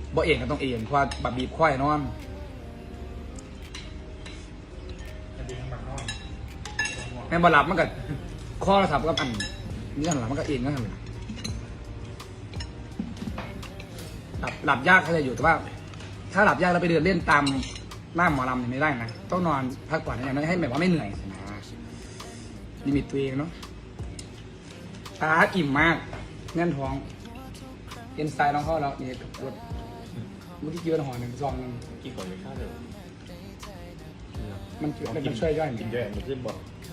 บ่เองก็ต้องเองเพราะว่าแบบบีบควายนอนแม่บ่หลับมันก็ข้อระทับกับอันนี่หันหลังมันก็เองก็ทำเลยหลับยากเขาจะอยู่แต่ว่า ถ้าหลับยากแล้วไปเดินเล่นตามหน้าหมอลำเนี่ยไม่ได้นะต้องนอนพักผ่อนอย่างนั้นให้แบบว่าไม่เหนื่อยนะลิมิตตัวเองเนาะตาอิ่มมากแน่นท้องเอ็นไซด์น้องเข้าแล้วนี่กับรถเมื่อกี้กินห่อหนึ่งซองนึงกี่คนไม่ข้าวเลยมันช่วยย่อยกินด้วยมันขึ้นบอก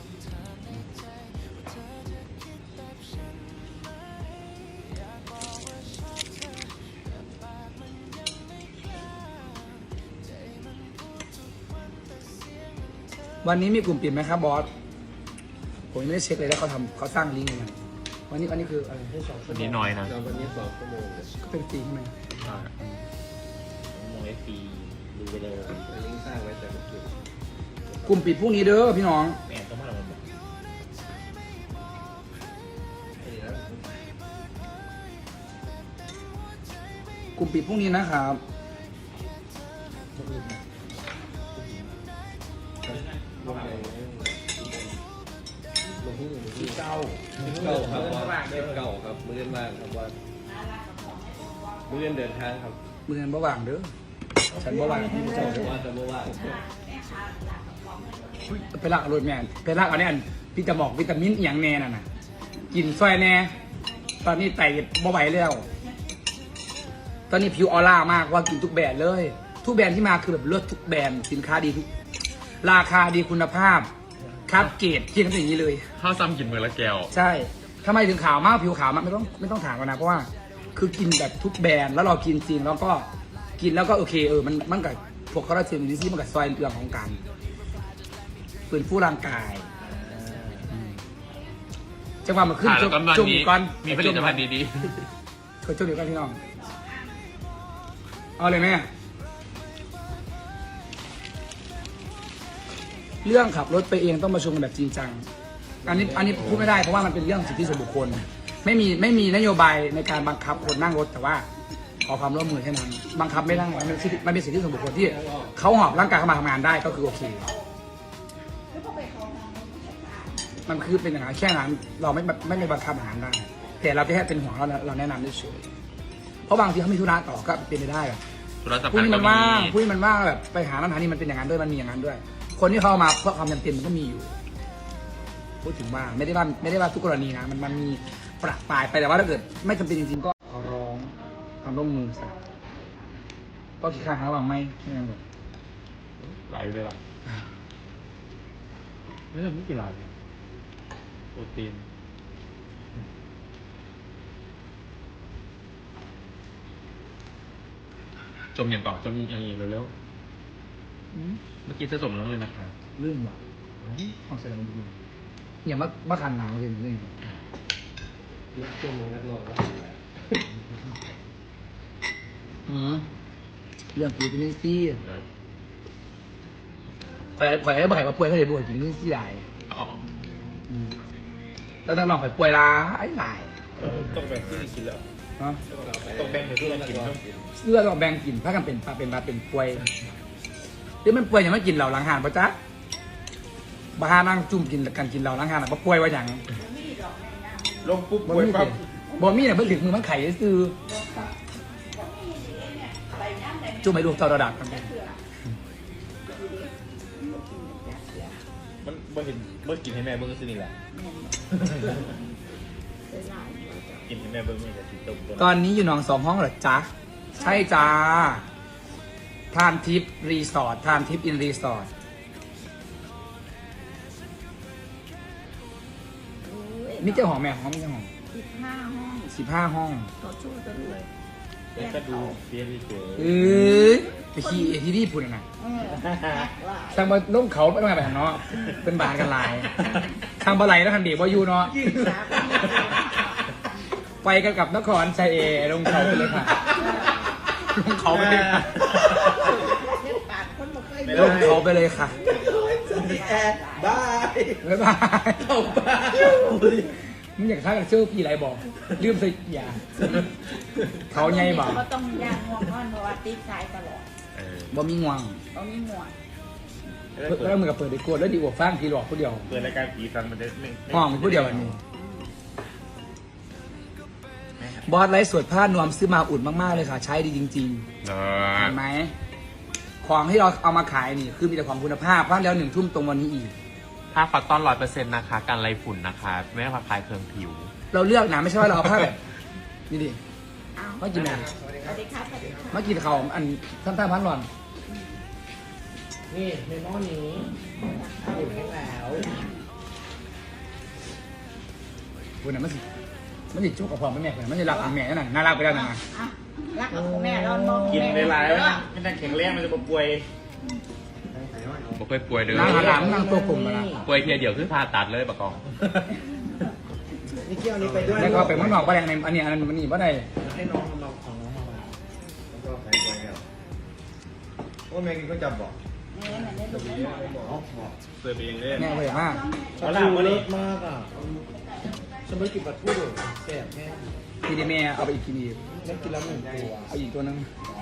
วันนี้มีกลุ่มปิดไหมครับบอสผมยังไม่ได้เช็คเลยแล้วเขาสร้างลิงก์มาวันนี้คืออะไรให้สอบวันนี้น้อยนะวันนี้2 ชั่วโมงก็เป็นฟรีใช่ไหมมองไอฟีดูไปเลยลิงก์สร้างไว้แต่เมื่อคืนกลุ่มปิดพรุ่งนี้เด้อพี่น้องแม่ต้องมาเราบอกนี่นะกลุ่มปิดพรุ่งนี้นะครับลงที่เ 9ครับครับมื้อว่างครับว่ามื้อเดินทางครับมือเงินบ่ว่างเด้อฉันบ่ว่างพี่เจ้าเด้อว่าจะมื้อว่างไปลากเอารถแม่ไปลากเอาเนี่ยพี่จะบอกวิตามินอหย่างแน่น่ะนะกินซอยแน่ตอนนี้ไตบ่ไหวแล้วตอนนี้ผิวออร่ามากว่ากินทุกแบรนด์เลย ทุกแบรนด์ที่มาคือแบบเลือดทุกแบรนด์สินค้าดีทุกราคาดีคุณภาพครับเกรดเทียบกันอย่างนี้เลยข้าวซ้ำกินมือละแก้วใช่ทำไมถึงขาวมากผิวขาวมากไม่ต้องถามกันนะเพราะว่าคือกินแบบทุกแบรนด์แล้วเรากินจริงแล้วก็กินแล้วก็โอเคมันกับพวกคอลลาเจนวิซี่มันกับซอยเรื่องของการฟื้นฟูร่างกายจังหวะมันขึ้นแล้วก็ตอนจุ่มนี้ก่อนมีผลิตภัณฑ์ดีช่วยจุ่มเดี๋ยวกันพี่น้องเอาเลยแม่เรื่องขับรถไปเองต้องประชุมกันแบบจริงจังอันนี้พูดไม่ได้เพราะว่ามันเป็นเรื่องสิทธิส่วนบุคคลไม่มีนโยบายในการบังคับคนนั่งรถแต่ว่าขอความร่วมมือแค่นั้นบังคับไม่ได้มันเป็นสิทธิส่วนบุคคลที่เขาหอบร่างกายเข้ามาทำงานได้ก็คือโอเคมันคือเป็นอย่างนั้นแค่นั้นเราไม่บังคับอาหารได้แต่เราแค่เป็นห่วงเราแนะนำเฉยเพราะบางทีเขามีธุระต่อก็เป็นไปได้แบบๆธุรศัพท์ผู้นี้ก็มันมีว่างผู้นี้มันว่างแบบไปหาร้านอาหารนี่มันเป็นอย่างนั้นด้วยมันมีอย่างนั้นด้วย คนที่เข้ามาเพราะความจำเป็นมันก็มีอยู่พูดถึงว่าไม่ได้ว่าทุกกรณีนะมันมีประปรายไปแต่ว่าถ้าเกิดไม่จำเป็นจริงๆก็ขอร้องความร่วมมือสักก็คิดค่าหาระหว่างไม่งั้นแบบไหลเลยล่ะไม่ใช่ไม่กี่ลายโปรตีนจมอย่างก่อนจมอย่างนี้เร็วๆเมื่อกี้จะจมแล้วเลยนะครับเรื่องว่ะของเสร็จแล้วมันดีอย่ามาคันหนาวเลยเรื่องชั่วโมงนักร้องเรื่องกินนี่ซี่ข่อยให้บ่อยมาป่วยเขาเลยบ่อยกินนี่ซี่ใหญ่อ๋อแล้วต้องลองข่อยป่วยลาไอ้หลายต้องแบ่งที่กินแล้วเนาะต้องแบ่งที่เรากินเลือดเราแบ่งกินถ้ากันเป็นป่วยหรือมันป่วยอย่างไม่กินเหล่าล้างหานปะจ๊ะบ้านั่งจุ่มกินกันกินเหล่าล้างหานปะป่วยว่าอย่างลงปุ๊บบ่ป่วยมีปั๊บบ่มีเนี่ยเพิ่งถึงมือมันไข่ซื้อจุ่มให้ลูกเต่าระดับกันไปมันบ่เห็นบ่กินให้แม่เบิ่งก็สินี่แหละกินให้แม่เบิ่งนี่แหละสิตกตอนนี้อยู่หนอง2 ห้องเหรอจ๊ะใช่จ้าทานทิปรีสอร์ททานทิปอินรีสอร์ทมีเจ้าของแม่ของมีเจ้าของ 15 ห้อง 15 ห้องต่อสู้กันเลยแล้วก็ดูเสียดีเจไปขี่ที่นี่พูดนะแอกหลายทางมาลงเขาไปทำไงไปทางเนาะเป็นบานกันหลายทางบะไหลแล้วทันเดียวอยู่เนาะไปกันกับนครชัยเอลงเขาไปเลยค่ะลงเขาไปเลยค่ะเล่นปาดคนมาเคยลงเขาไปเลยค่ะแอดบายบ๊ายบายเข้าบ้านบมึงอยากท้ากับเชื่อพี่ไรบอกลืมใส่ยาเขาไงบอกก็ต้องย่างง่วงนอนเพราะว่าติดสายตลอดบ่มีง่วงตอนนี้ง่วงแล้วมึงกับเปิดดีกว่าแล้วดีกว่าฟังทีหลอกผู้เดียวเปิดรายการผีฟังมันจะไม่ห้องผู้เดียวอันนี้บอสไลฟ์สดผ้านวมซื้อมาอุ่นมากๆเลยค่ะ ใช้ดีจริงๆเห็นไหมของที่เราเอามาขายนี่คือมีแต่ของคุณภาพเพราะแล้ว1 ทุ่มตรงวันนี้อีกผ้าคอตตอน100%นะคะกันไรฝุ่นนะคะไม่ได้คลายเครื่องผิวเราเลือกนะไม่ใช่ว่าเราเอาผ้าแบบนี่ดิอ้าวมากินแม่สวัสดีครับสวัสดีครับมากินเขาวอันท่านพันหลอนนี่ในหม้อนี้อยู่แห้งแล้วคุณน่ะมันสิจุกกับพ่อแม่เลยมันจะรักแม่นั่นน่ารักไปแล้วนะอ่ะรักกับพ่อแม่เรามองกินแม่หลายๆแล้วไม่ได้แข็งแรงมันจะป่วยบ่เคยป่วยเลยนางหลังนางตัวกลุ่มมาละป่วยเพียเดียวคือผ่าตัดเลยปะกองนี่เกี่ยวนี้ไปด้วยแล้วก็ไปเมืองนอกก็แรงในอันนี้มันนี่ว่าได้ให้น้องทำเราของน้องมาแล้วก็ใส่ตัวแล้วโอ้แม่กินก็จับบอกแม่น่ะได้ลูกได้หน่อยอ๋อบอกเปิดไปเองเลยแม่เลยมากปลาทูเลิศมากอ่ะฉันไม่กินปลาทูแซ่บแม่ทีนี้แม่เอาไปอีกทีนี้แม่กินแล้ว1 ตัวเอาอีกตัวนึง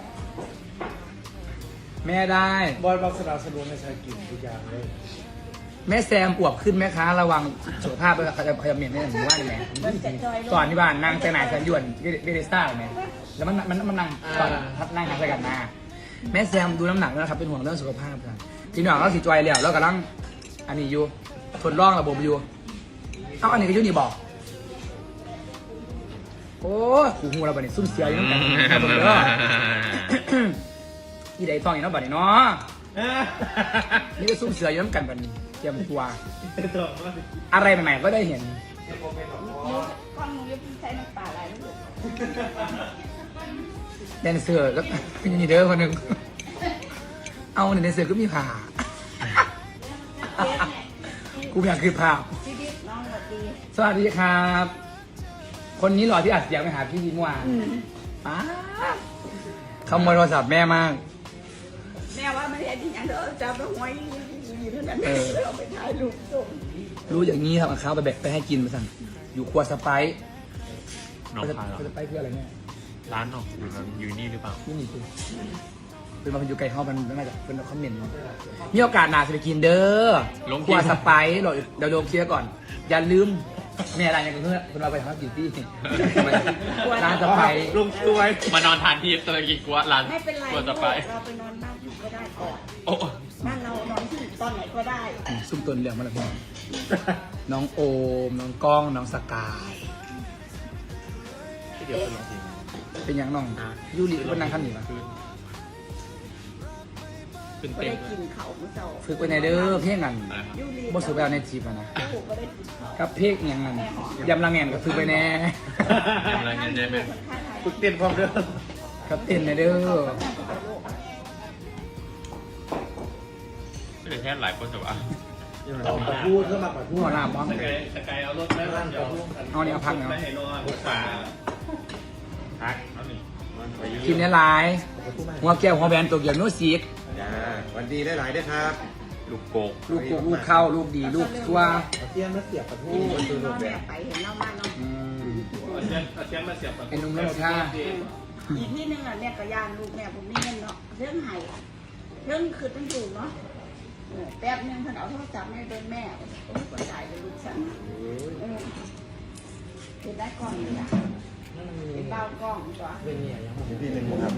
แม่ได้บอยบอกสนับสนุนในชายกินทุกอย่างเลยแม่แซมอวบขึ้นไหมคะระวังสุขภาพพยายามเมียนไม่ได้หรือว่าไงมันจะจอยลงตอนที่บ้านนั่งแต่ไหนแสนยวนเบเดสต้าไหมแล้วมันนั่งตอนนั่งทางใส่กันมาแม่แซมดูน้ำหนักนะครับเป็นห่วงเรื่องสุขภาพกันทีนี้เราสีจอยแล้วกำลังอันนี้อยู่ทดลองระบบอยู่เอาอันนี้ก็ยุ่นี่บอกโอ้หูหูเราบัดนี้ซุ่มเสียอยู่น้ำกันเด้ออีไดต้องอย่างนั้นบัดนี้เนาะนี่ก็ซุ่มเสืออยู่น้ำกันบัดนี้เตรียมตัวอะไรใหม่ๆก็ได้เห็นก้อนมึงยังใช้น้ำปลาอะไรลูกแดนเซอร์ก็มีเด้อคนหนึ่งเอาในแดนเซอร์ก็มีผ่ากูอยากคือผ่าชีวิตน้องสวัสดีสวัสดีครับ คนนี้หล่อที่อัดเสียงไปหาพี่ยิ้มหวานป้าขโมยโทรศัพท์แม่มากแม่ว่าไม่ได้ดีอย่างเด้อจับแล้วหวยอยู่เท่านั้นเราไปถ่ายรูปส่งรู้อย่างนี้ครับเอาข้าวไปแบกไปให้กินมาสั่งอยู่ครัวสไปซ์น้องพายเหรอสไปซ์คืออะไรเนี่ยร้านน้องอยู่นี่หรือเปล่านี่คือเป็นมาเป็นอยู่ไกลห้องมันน่าจะเป็นคอมเมนต์มีโอกาสหนาจะไปกินเด้อครัวสไปซ์เดี๋ยวลงเคลียร์ก่อน อย่าลืมแม่อะไรอย่างเงี้ยคุณเราไปทำกินที่ร้านสไปซ์ลงตัวมานอนทานที่ตะกี้กัวร้านไม่เป็นไรกัวสไปซ์เราไปนอนบ้านอยู่ก็ได้ก่อนโอ้บ้านเรานอนที่ตอนไหนก็ได้ซุ่มตัวเหลืองมาแล้วพี่น้องโอมน้องก้องน้องสกายที่เดี๋ยวไปลองกินเป็นอย่างน้องยูริก็นั่งข้างหนีมาขึ้นก็เต็มได้กินเขาเมื่อเช้าฝึกไปในเด้อเพลงกันนะครับยูรีบ่สุดแล้วในจีบอะนะลูกก็ได้กินเขากับเพลงอย่างนั้นยำลังแงนกับฝึกไปแน่ทำอะไรกันได้ไหมฝึกเต้นพร้อมเด้อกับเต้นในเด้อไม่ได้แค่หลายคนแต่ว่าปลาทูเพื่อมาปลาทูหัวหน้าบ้องสกายเอารถแม่ร้านเดี๋ยวเอาเนี่ยเอาพักเนาะไม่ให้นอนบุกป่าพักเอาหนึ่งกินเนื้อลายหัวแก้วหัวแบนตัวเกี่ยวโน้ซีกวันดีได้หลายด้วยครับลูกโกกลูกกุกลูกเข้าลูกดีลูกชั่วเตรียมแล้วเสียบปลาทูน้องแม่ไปเห็นเล่าบ้านน้องอืมเอาเชียนมาเสียบไอ้นุ่มแล้วท่าอีกที่นึงอ่ะแม่ก็ย่านลูกแม่ผมมีเงินเนาะเรื่องไห้เรื่องคือต้องอยู่เนาะแป๊บนึงท่านเอาโทรศัพท์ให้เดินแม่โอ้ยกดจ่ายเป็นลูกฉันเป็นได้กล้องเลยอ่ะเป็นเบ้ากล้องตัวเป็นเนี่ยยังผมพี่หนึ่งครับ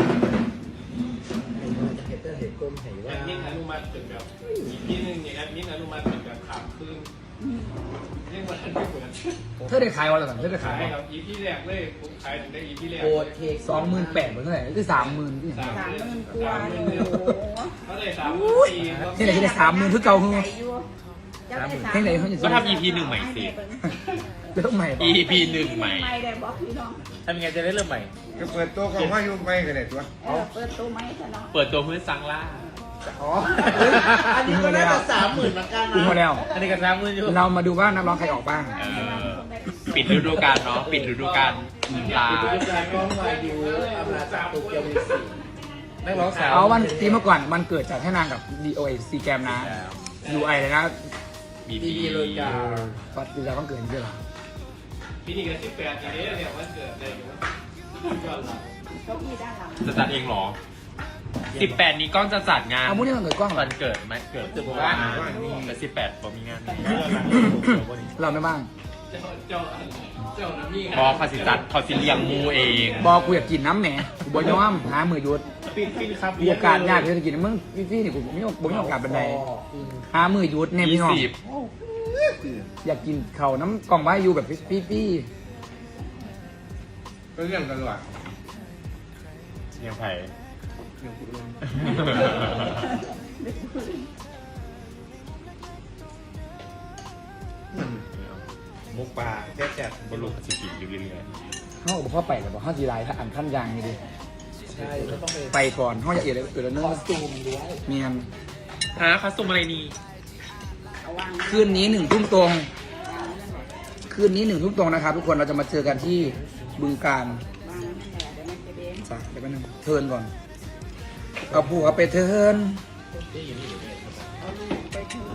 เห็ดเตอร์เห็ดกลมเห็ดแอว่าดมินอนุมัติเป็นแบบอีกที่หนึ่งเนี่ยแอดมินอนุมัติเป็นแบบขามคืนเรียกว่าทันไม่เหมือนเธอได้ขายวันละสั่งเธอได้ขาขาย ยครับอีพีแรกเลยผมขายถึงได้อีพีแรกโคตรเค้ก 28,000เหมือนเท่าไหร่คือ30,000ที่ไหน 30,000กว่าโอ้โหเขาเลย34ครับที่ไหนที่ได้30,000คือเก่าคือใจอยู่เจ้าได้เพลงไหนเขาจะก็ทำ EP 1ใหม่สิเริ่มใหม่ EP 1ใหม่ไม่ได้บอกพี่น้องทำยังไงจะได้เริ่มใหม่ก็เปิดตัวของว่ายุ่งไปกันเลยตัวเปิดตัวไหมซะเนาะเปิดตัวเพื่อซังล่าอ๋ออันนี้ก็น่าจะ30,000เหมือนกันคุ้มมาแล้วอันนี้ก็30,000อยู่เรามาดูว่านักร้องใครออกบ้างปิดฤดูกาลเนาะปิดฤดูกาลลาเป็นการร้องวายดูอำนาจโตเกียวมิวสิกนักร้องสาวเอาวันปีเมื่อก่อนมันเกิดจากให้นางกับ DOA ซีแกมนะ UI เลยนะบีดีบีเลยจ้าปัจจุบันต้องเกิดเยอะหรอปีนี้ก็18ปีนี้เนี่ยวันเกิดเลยยอดละเก้าอี้ด้านหลังจะจัดเองเหรอ 18 นี้ก้องจะจัดงานเอามุ้งนี่มันเกิดกล้องเหรอวันเกิดไหมเกิดแต่18ผมมีงานเราไม่บ้างเจ้าน้ำนี่พอเขาสิจัดเขาสิเลี้ยงมูเองบอกกูอยากกินน้ำแหมกูบอกย้อมหามือหยุดฟินครับมีโอกาสยากที่จะกินมึงพี่นี่กูไม่มีโอกาสบันไดหามือหยุดเนี่ยพี่น้อง 20 อยากกินเขาวน้ำกล่องไว้อยู่แบบพี่ก็เรื่องกันว่ะเลี้ยงไผ่มุกปลาแซ่บบลูกสิกินอยู่เรื่อยเขาบอกพ่อไปแต่บอกห้าจีไรถ้าอ่านขั้นยางนี่ดิใช่ก็ต้องไปไปก่อนห้องอยากเอียดเลยเนื้คออสตูมด้วยเมียนฮะคอสตูมอะไรนี่เอาวางคืนนี้1 ทุ่มตรง คืนนี้1 ทุ่มตรงนะครับทุกคนเราจะมาเจอกันที่บึงการวางนั่นแหละเดี๋ยวมันจะเด้งจ้ะเดี๋ยวแป๊บนึงเทิร์นก่อนเอาผัวไปเทิร์นเอาลูกไปถึง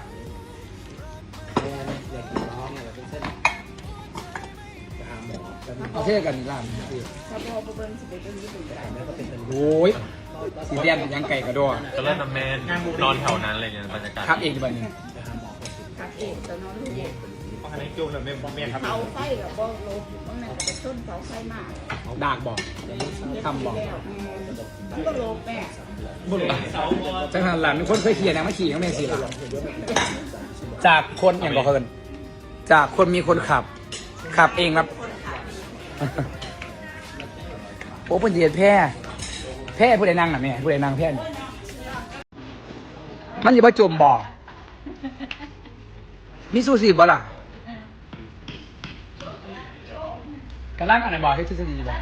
อยากกินน้องเนี่ยเป็นเส้นไปหาหมอแล้วเอาเท่กันนี่ล่ามถ้าพ่อไปเบิ้งสิไปเบิ้งญี่ปุ่นก็ได้ก็เป็นโอ้ยสีแดงเป็นยังไก่กระโดดก็เล่นน้ำแมนนอนแถวนั้นเลยเนี่ยบรรยากาศครับเองบันนี้ไปหาหมอก็สิกับเอกตอนนอนลูกเพราะฉะนั้นจุ่มเลยไม่ครับเสาไฟกับบ่ลบมันนั่นก็ไปชนเสาไฟมากดากบอก ทำบ่มันก็ลบแม่บุรุษจังหันหลังมีคนเคยขี่นะมาขี่ข้างในสิหลังจากคนอย่างบอกเคินจากคนมีคนขับ ขับเองครับ โอ้เป็นเหยียดแพร่ผู้ใดนั่งน่ะแม่ผู้ใดนั่งแพร่นี่มันอย่าไปจมบ่อมีสู้สิบ่ล่ะกำลังอันไหนบ่อให้ทฤษฎีบ่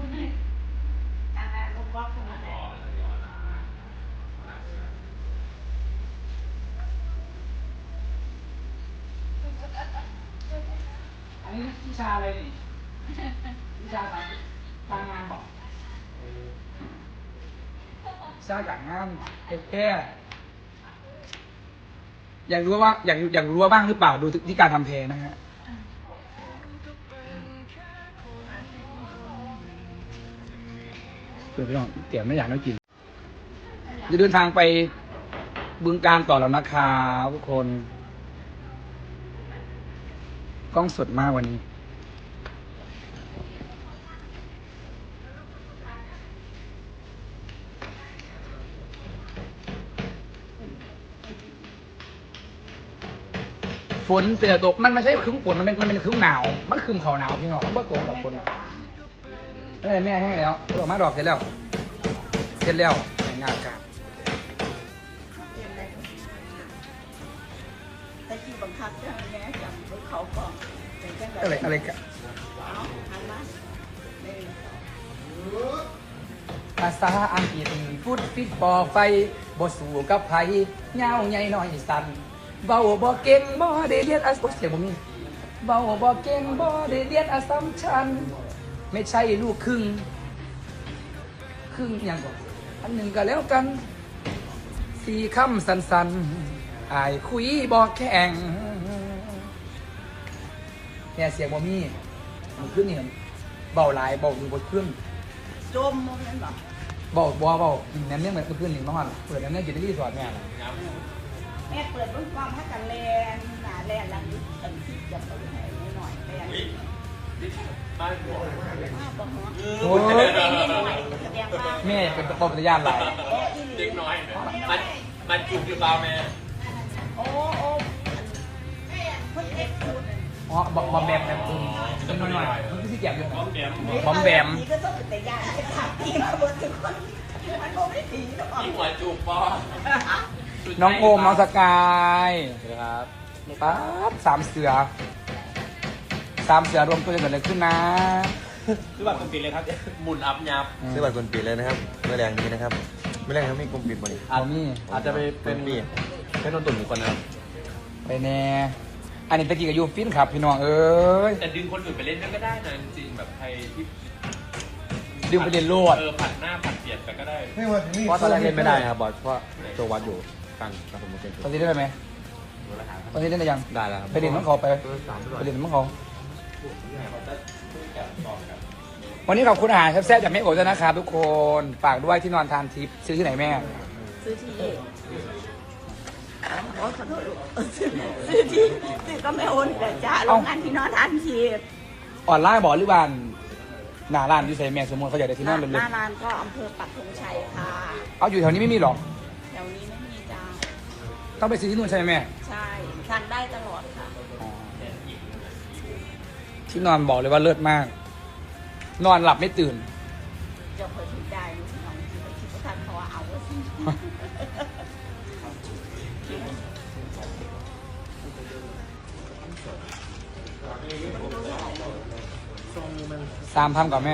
อันนี้วิชาอะไรนี่วิชาทางงานบอกวิชาการงานแค่อยากรู้ว่าอยากรู้ว่าบ้างหรือเปล่าดูที่การทำเพลงนะฮะเพื่อนพี่น้องเตี๋ยวไม่อยากได้กินจะเดินทางไปบึงการต่อแล้วนะครับทุกคนกล้องสดมากวันนี้ฝนเตือตกมันไม่ใช่ครึ้มฝนมันเป็นครึ้มหนาวมันครึ้มเขาหนาวพี่น้องมันก็ตกกับฝนแม่ให้แล้วดอกไม้ดอกเสร็จแล้วแต่งงานกันแต่ที่บังคับจะให้แม่จับรถเขาก่อนเป็นจังอะไรกันเอาหันมาหนึ่งภาษาอังกฤษฟุตฟิตปอไฟบ่สู่กับไผเงาใหญ่น้อยสั่นเบาบ่เก่งบ่ได้เรียนอัสเสียงบ่มีเบาบ่เก่งบ่ได้เรียนอัสสัมชัญไม่ใช่ลูกครึ่งอย่างก่อนอันหนึ่งก็แล้วกันสี่คำสั้นๆอายคุยบ่แข็งเนี่ยเสียงบ่มีมันขึ้นนี่เบาหลายเบาอยู่บ่ขึ้นจมมองนั่นหรอบอกกินน้ำเนี่ยเหมือนเพื่อนหนึ่งน้องเปิดน้ำเนี่ยกินได้รีสอร์ทแม่แม่เปิดรุ่นความให้กันแลนหนาแลนหลังนี้อันที่จะเปิดให้หน่อยแลนบ้านหัวมากกว่าหัวโอ้แสดงหน่อยแสดงว่าแม่เป็นปอมสัญญาณหลายโอ้อีหลีเด็กน้อยมันจุกหรือเปล่าแม่โอ้คนเอ็กซ์คูดอ๋อบอมแบมแบบคุณเป็นหน่อยมันคือที่เก็บอยู่บ้องแบมบอมแบมนี่ก็ต้องเป็นแต่ยาให้ถามพี่มาบนทุกคนมันคงไม่ผีหรอกที่หัวจุกปอน้องโอมน้องสกายครับป๊าบสามเสือรวมตัวกันเกิดอะไรขึ้นนะคือแบบคนปิดเลยครับหมุนอัพยับซื้อบัตรคนปิดเลยนะครับเมื่อแรงนี้นะครับเมื่อแรงเขามีกลุ่มปิดบริเอามี่อาจจะไปเป็นปีเป็นต้นตุ่นอีกคนนะครับไปแน่อันนี้ตะกี้กับยูฟินครับพี่น้องเอ้ยแต่ดึงคนอื่นไปเล่นก็ได้นะจริงๆแบบใครที่ดึงไปเรียนโลดผัดหน้าผัดเปลี่ยนไปก็ได้เพราะตอนแรกเล่นไม่ได้นะครับบอสเพราะตัววัดอยู่กลางกระผมเป็นตอนนี้ได้ไหมตอนนี้ได้หรือยังได้แล้วครับไปเรียนมังเขาไปเรียนมังเขาวันนี้ขอบคุณอาหารแซ่บๆจากแม่โอ๋ด้วยนะครับทุกคนฝากด้วยที่นอนทานทิพย์ซื้อที่ไหนแม่ซื้อที่ขอโทษลูกซื้อที่ซื้อก็ไม่โอนแต่จ้าโรงงานที่นอนทันทีออนไลน์บอกหรือบ้านหน้าร้านอยู่ใส่แม่สมมติเขาอยากได้ที่นอนหเลยน้าร้านก็อำเภอปักธงชัยค่ะเอาอยู่แถวนี้ไม่มีหรอกแถวนี้ไม่มีจ้าต้องไปซื้อที่นู่นใช่ไหมแม่ใช่ทานได้ตลอดค่ะที่นอนบอกเลยว่าเลิศมาก นอนหลับไม่ตื่นจะเคยถูกได้ลูกน้องที่เขาคิดว่าทานเขาว่าเอาว่าสิ 3,000กับแม่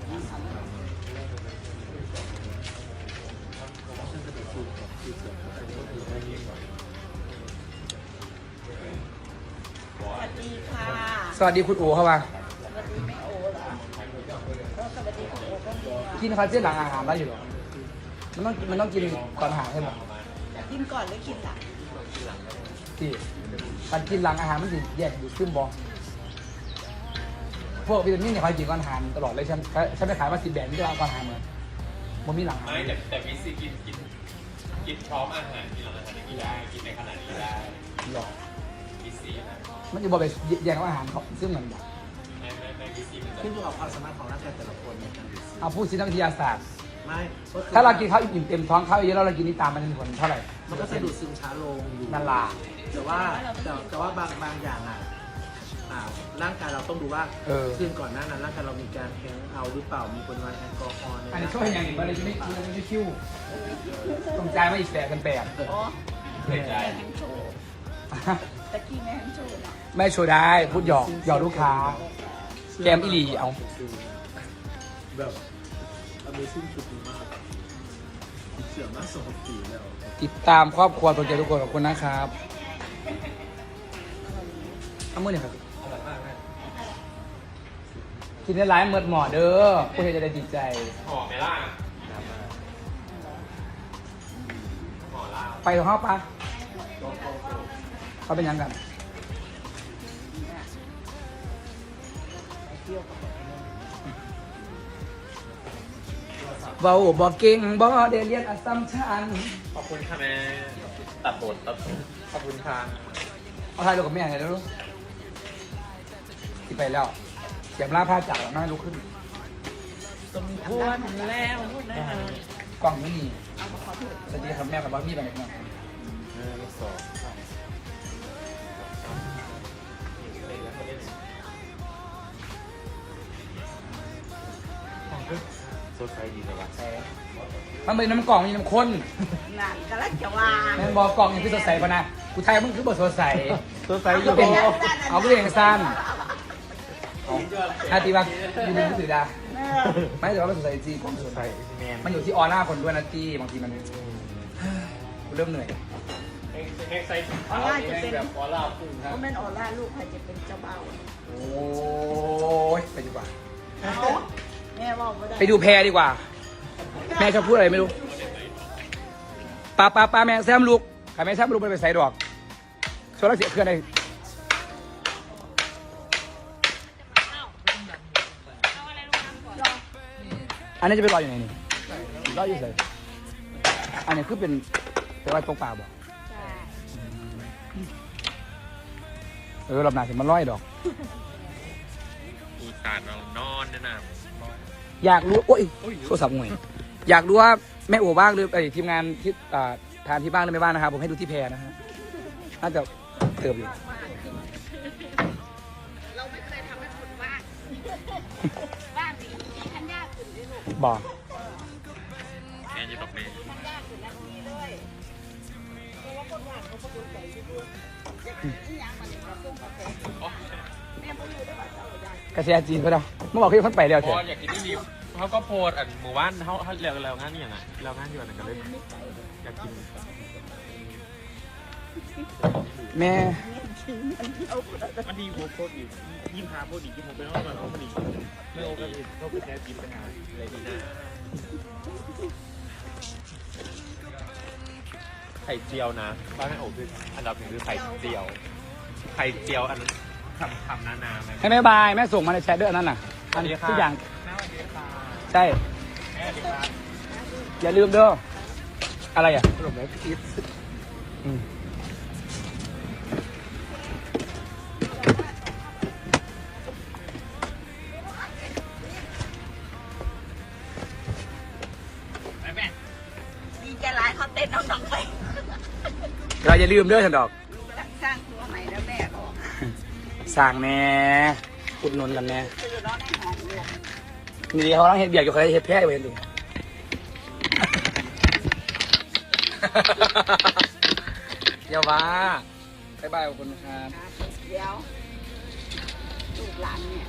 สวัสดีค่ะสวัสดีคุณอู๋เข้ามาสวัสดีแม่โอเหรอก็สวัสดีคุณโอก็มีอ่ะกินคาเฟ่หลังอาหารได้อยู่หรอมันต้องกินก่อนอาหารใช่ไหมกินก่อนหรือกินหลังที่การกินหลังอาหารมันสิแยกอยู่ขึ้นบอพวกวิตามินเนี่ยคอยกินก่อนอาหารตลอดเลยฉันไปขายมา10 แบบนี่ก็เอาก่อนอาหารเหมือนมันมีหลังอาหารไม่แต่วิซีกินพร้อมอาหารที่หลังอาหารกินได้กินในขณะนี้ได้หรอวิซีนะมันจะบอกไปแยกกับอาหารเขาซึ่งมันแบบไม่วิซีมันจะขึ้นอยู่กับความสามารถของร่างกายแต่ละคนในการดูดซึมเอาพูดสินักวิทยาศาสตร์ไม่ก็คือถ้าเรากินข้าวอิ่มเต็มท้องข้าวเยอะแล้วเรากินนี่ตามมันจะมีผลเท่าไหร่มันก็จะดูดซึมช้าลงอยู่นั่นล่ะแต่ว่าบางอย่างร่างกายเราต้องดูว่าคืนก่อนหน้านั้นร่างกายเรามีการแฮงเอาหรือเปล่ามีปริมาณแอลกอฮอล์ในอันนี้ช่วยอย่างหนึ่งมาเลยจะไม่คิ้วต้องใจายมาอีก8,800 อ๋อแม่แฮงโชว์ตะกี้แม่แฮงโชว์เนาะไม่โชว์ได้พูดหยอกลูกค้า แกมอีหลีเอาแบบ Amazing ชุดดีมากเสื่อมมาก2 ปีแล้วติดตามครอบครัวตัวเจทุกคนขอบคุณนะครับเอามือหน่อยครับกินได้หลายเมิดหมอเด้อผู้เห็นจะได้ติดใจหอมไหมล่ะไปกับเขาปะเขาเป็นยังกันเบาบอกเก่งบอเดเรียนอัสสัมชัญขอบคุณค่ะแม่ตัดบทขอบคุณค่ะเอาถ่ายรูปกับแม่ไงแล้วลูกที่ไปแล้วเสียมล่าผ้าจากแล้วน่าลุกขึ้นสมควรแล้วนะกล้องไม่มีสวัสดีครับแม่กับบอสพี่ไปไหนกันโซไซดีเลยวะมันเป็นน้ำกล่องมีน้ำข้นนั่นก็แล้วจะว่าแม่งบอกกล่องอย่างที่สดใสปะนะกูไทยมึงคือบทสดใสโซไซก็เป็นเอาก็เป็นสั้นอาตีว่าอยู่ในมือถือดาไม่แต่ว่ามันสดใสจริงโซไซแมนมันอยู่ที่ออร่าคนด้วยนะจีบางทีมันกูเริ่มเหนื่อยออร่าจะเป็นออร่าพุ่งครับเพราะแม่นออร่าลูกใครจะเป็นเจ้าบ่าวโอ้ยไปดีกว่าเอาแม่บอกว่าได้ไปดูแพรดีกว่า แม่ชอบพูดอะไรไม่รู้ป้าแม่แซมลูกใครแม่แซมลูกไปใส่ดอกโซล่าเสียเครื่องอะไรอันนี้จะไปรออยู่ไหนนี่รออยู่ไหนอันนี้คือเป็นไว้ตรงป่าบ่ใช่รอบหน้าสิมันร้อยดอกอุตส่าห์นอนเนี่ยนะอยากรู้โอ้ยโทรศัพท์ห่วยอยากรู้ว่าแม่โอ๋บ้างหรือทีมงานที่ทานที่บ้านหรือไม่บ้างนะครับผมให้ดูที่แพรนะฮะน่าจะเติมอยู่เราไม่เคยทำให้คนว่างว่างดีทันยากขึ้นด้วยลูกบอกแม่จะบอกแม่ทันยากขึ้นแล้วนี่เลยเพราะว่าคนว่างเขาประกวดใจที่ดูนี่ยังมันกระตุ้นกระแสแม่ไม่รู้ได้ว่าเจ้าอยากกระแสจีนก็ได้เมื่อบอกพี่เขาไปแล้วพเถออะอยากกินที่นี่เขาก็โพสอันหมู่บ้านเขาเร็วงานนี่อย่างไรเร็วงานอยู่อันนั้นก็เลยอยากกินแม่มันดีโวโคตรอีก25โคตรอีกที่ผมเป็นว่ามันเอาพอดีไม่โอก็เขาไปแทนจีนไปหาอะไรดีนะไข่เจียวนะบ้านแม่โอ๋คืออันดับหนึ่งคือไข่เจียว ไข่เจียวอันขำนาๆเลยให้แม่บายแม่ส่งมาในแชทด้วยอันนั่นน่ะอันทุกอย่างใช่อย่าลืมเด้ออะไรอ่ะขนมแม่พีชอืมดีใจหลายเขาเต้นน้องๆไปเราอย่าลืมเด้อฉันดอกลูกกำลังสร้างตัวใหม่แล้วแม่ก็สั่งแน่อุดหนุนกันแน่ซื้อน้องในห้องลูกนี่เขาต้องเห็ดเบียกอยู่เขาเห็ดแพ้อยู่เห็นดิ อย่าว่าบ๊ายบายขอบคุณครับเดี๋ยวลูกหลานเนี่ย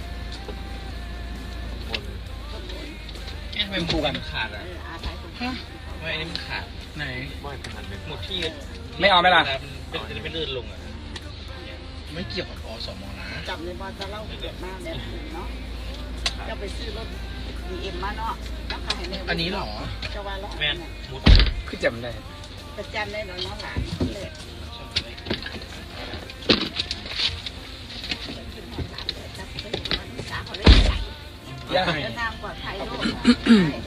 คนบนทำไมมันผูกกันขาดอ่ะอาศัยคนแค่ทำไมอันนี้มันขาดไหนไม่เป็นอันเป็นหมดที่ไม่เอาไหมล่ะเป็นลื่นลงอ่ะไม่เกี่ยวกับอสมนะจำในบอลจะเล่าเกิดมาแบบนี้เนาะจะไปซื้อรถBMมาเนาะแล้วขายในอันนี้เหรอจะว่าล้อแม่นมุดคือจำได้ประจำได้เนาะน้องหลานเลยสาเขาเลยใส่ย่าเดินทางปลอดภัยลูก